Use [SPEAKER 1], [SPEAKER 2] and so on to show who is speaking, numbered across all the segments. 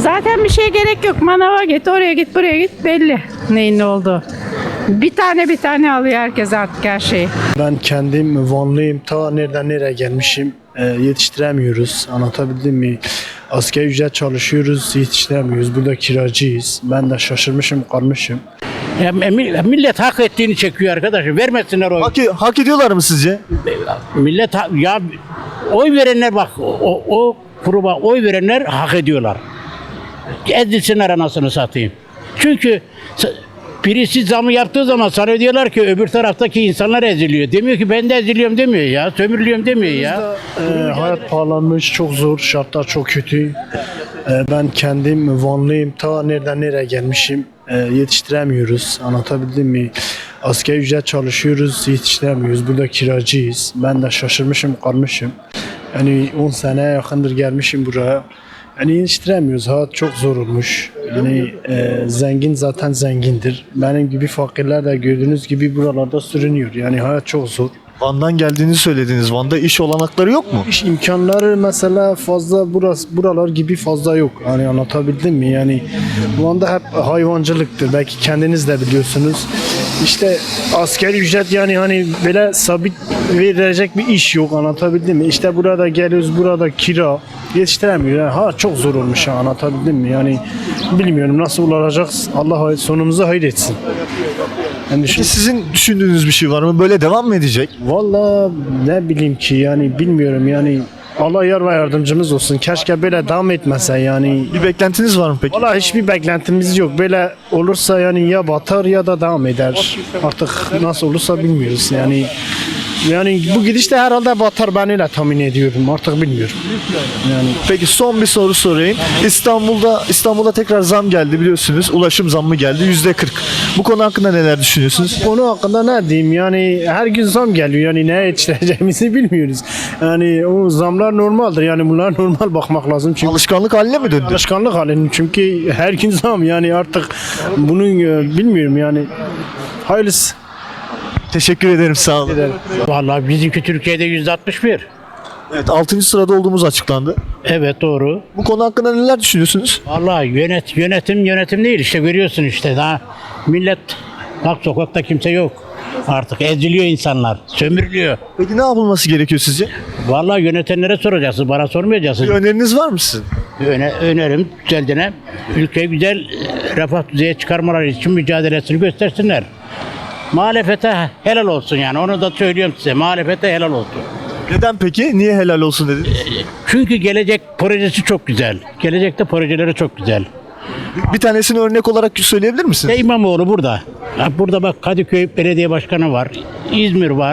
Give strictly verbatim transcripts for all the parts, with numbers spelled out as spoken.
[SPEAKER 1] Zaten bir şeye gerek yok. Manava git, oraya git, buraya git, belli neyin ne olduğu. Bir tane bir tane alıyor herkes artık her şeyi.
[SPEAKER 2] Ben kendim Vanlıyım. Ta nereden nereye gelmişim. E, yetiştiremiyoruz. Anlatabildim mi? Asgari ücret çalışıyoruz, yetiştiremiyoruz. Burada kiracıyız. Ben de şaşırmışım, kalmışım.
[SPEAKER 3] Ya, millet hak ettiğini çekiyor arkadaşım. Vermesinler oy.
[SPEAKER 4] Hak, hak ediyorlar mı sizce?
[SPEAKER 3] Millet ha- ya oy verenler bak o, o gruba oy verenler hak ediyorlar. Ezilsinler anasını satayım. Çünkü s- birisi zamı yaptığı zaman sana diyorlar ki öbür taraftaki insanlar eziliyor. Demiyor ki ben de eziliyorum demiyor ya. Sömürülüyorum demiyor ya.
[SPEAKER 2] E, hayat pahalanmış, çok zor, şartlar çok kötü. E, ben kendim Vanlıyım. Ta nereden nereye gelmişim. E, yetiştiremiyoruz. Anlatabildim mi? Asgari ücret çalışıyoruz, yetiştiremiyoruz. Burada kiracıyız. Ben de şaşırmışım, kalmışım. Yani on sene yakındır gelmişim buraya. Yani yetiştiremiyoruz. Hayat çok zor olmuş. Yani e, zengin zaten zengindir. Benim gibi fakirler de gördüğünüz gibi buralarda sürünüyor. Yani hayat çok zor.
[SPEAKER 4] Van'dan geldiğinizi söylediniz. Van'da iş olanakları yok mu?
[SPEAKER 2] İş imkanları mesela fazla burası buralar gibi fazla yok. Hani anlatabildim mi? Yani bu anda hep hayvancılıktır. Belki kendiniz de biliyorsunuz. İşte asgari ücret yani hani böyle sabit verilecek bir iş yok. Anlatabildim mi? İşte burada geliyoruz, burada kira yetiştiremiyor. Yani ha çok zor olmuş ha, anlatabildim mi? Yani bilmiyorum nasıl olacak. Allah sonumuzu hayır etsin. Yani düşün-
[SPEAKER 4] Peki sizin düşündüğünüz bir şey var mı? Böyle devam mı edecek?
[SPEAKER 2] Vallahi ne bileyim ki yani bilmiyorum yani Allah yar ve yardımcımız olsun. Keşke böyle devam etmese yani.
[SPEAKER 4] Bir beklentiniz var mı peki?
[SPEAKER 2] Vallahi hiçbir beklentimiz yok. Böyle olursa yani ya batar ya da devam eder. Artık nasıl olursa bilmiyoruz yani. Yani bu gidişte herhalde batar, ben öyle tahmin ediyorum. Artık bilmiyorum. Yani
[SPEAKER 4] Peki son bir soru sorayım. İstanbul'da İstanbul'da tekrar zam geldi biliyorsunuz. Ulaşım zammı geldi yüzde kırk. Bu konu hakkında neler düşünüyorsunuz?
[SPEAKER 2] konu hakkında ne diyeyim yani her gün zam geliyor yani neye yetiştireceğimizi bilmiyoruz. Yani o zamlar normaldir yani bunlar normal bakmak lazım çünkü
[SPEAKER 4] Alışkanlık haline mi döndü?
[SPEAKER 2] alışkanlık halinde çünkü her gün zam yani artık bunun e, bilmiyorum yani hayırlısı.
[SPEAKER 4] Teşekkür ederim sağ olun.
[SPEAKER 3] Vallahi bizimki Türkiye'de yüzde altmış bir.
[SPEAKER 4] Evet altıncı sırada olduğumuz açıklandı.
[SPEAKER 3] Evet doğru.
[SPEAKER 4] Bu konu hakkında neler düşünüyorsunuz?
[SPEAKER 3] Vallahi yönet yönetim yönetim değil işte görüyorsun işte daha millet bak sokakta kimse yok. Artık eziliyor insanlar, sömürülüyor.
[SPEAKER 4] Peki ne yapılması gerekiyor sizce?
[SPEAKER 3] Vallahi yönetenlere soracaksın, bana
[SPEAKER 4] Bir
[SPEAKER 3] sormayacaksın.
[SPEAKER 4] öneriniz var mı sizin?
[SPEAKER 3] Öne, önerim güzeldiğine ülkeyi güzel e, refah düzeye çıkarmaları için mücadelesini göstersinler. Muhalefete helal olsun yani onu da söylüyorum size muhalefete helal olsun.
[SPEAKER 4] Neden peki? Niye helal olsun dediniz?
[SPEAKER 3] Çünkü gelecek projesi çok güzel. Gelecekte projeleri çok güzel.
[SPEAKER 4] Bir tanesini örnek olarak söyleyebilir misiniz?
[SPEAKER 3] İşte İmamoğlu burada. Ya burada bak Kadıköy Belediye Başkanı var. İzmir var.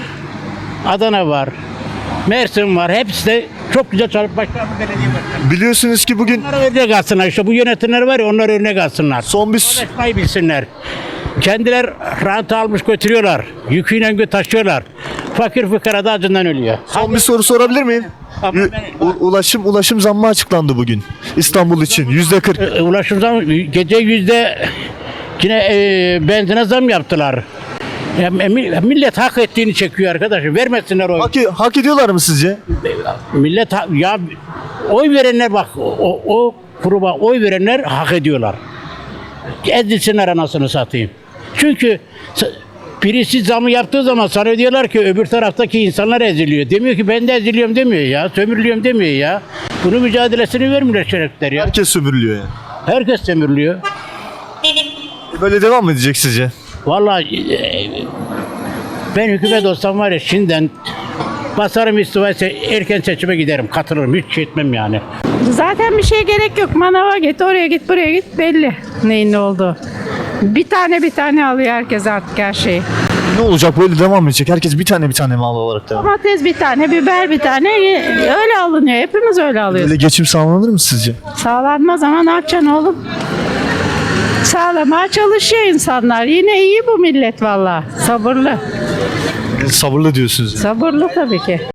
[SPEAKER 3] Adana var. Mersin var. Hepsi de çok güzel çalışıp başkan belediye başkanı.
[SPEAKER 4] Biliyorsunuz ki bugün
[SPEAKER 3] Onlara örnek alsınlar işte bu yönetimler var ya onlar örnek alsınlar.
[SPEAKER 4] son bir
[SPEAKER 3] Çalışmayı bilsinler. Kendiler rant almış götürüyorlar. Yüküyle gö- taşıyorlar. Fakir fıkara da acından ölüyor.
[SPEAKER 4] son bir soru sorabilir miyim?
[SPEAKER 3] Ama
[SPEAKER 4] Ü-
[SPEAKER 3] ben-
[SPEAKER 4] u- ulaşım ulaşım zammı açıklandı bugün İstanbul için yüzde kırk.
[SPEAKER 3] E, Ulaşım zam gece yüzde yine e, benzine zam yaptılar. Ya, mi- millet hak ettiğini çekiyor arkadaşım. Vermesinler oy.
[SPEAKER 4] Hak, hak ediyorlar mı sizce?
[SPEAKER 3] Millet ha- ya oy verenler bak o, o gruba oy verenler hak ediyorlar. Ezilsinler anasını satayım. Çünkü s- birisi zamı yaptığı zaman sana diyorlar ki öbür taraftaki insanlar eziliyor. Demiyor ki ben de eziliyorum demiyor ya. Sömürülüyorum demiyor ya. Bunun mücadelesini vermiyorlar şerefler ya.
[SPEAKER 4] Herkes sömürülüyor yani.
[SPEAKER 3] Herkes sömürülüyor.
[SPEAKER 4] Böyle devam mı edecek sizce?
[SPEAKER 3] Vallahi e, ben hükümet olsam var ya şimdiden basarım istifaya se- erken seçime giderim. Katılırım. Hiç şey etmem yani.
[SPEAKER 1] Zaten bir şeye gerek yok. Manava git, oraya git, buraya git, belli neyin ne olduğu. Bir tane bir tane alıyor herkes artık her şeyi.
[SPEAKER 4] Ne olacak böyle devam mı edecek? Herkes bir tane bir tane mal alarak devam.
[SPEAKER 1] Domates bir tane, biber bir tane öyle alınıyor. Hepimiz öyle alıyoruz.
[SPEAKER 4] Böyle geçim sağlanır mı sizce?
[SPEAKER 1] Sağlanmaz ama ne yapacaksın oğlum? Sağlamaya çalışıyor insanlar. Yine iyi bu millet valla. Sabırlı.
[SPEAKER 4] Sabırlı diyorsunuz. Yani.
[SPEAKER 1] Sabırlı tabii ki.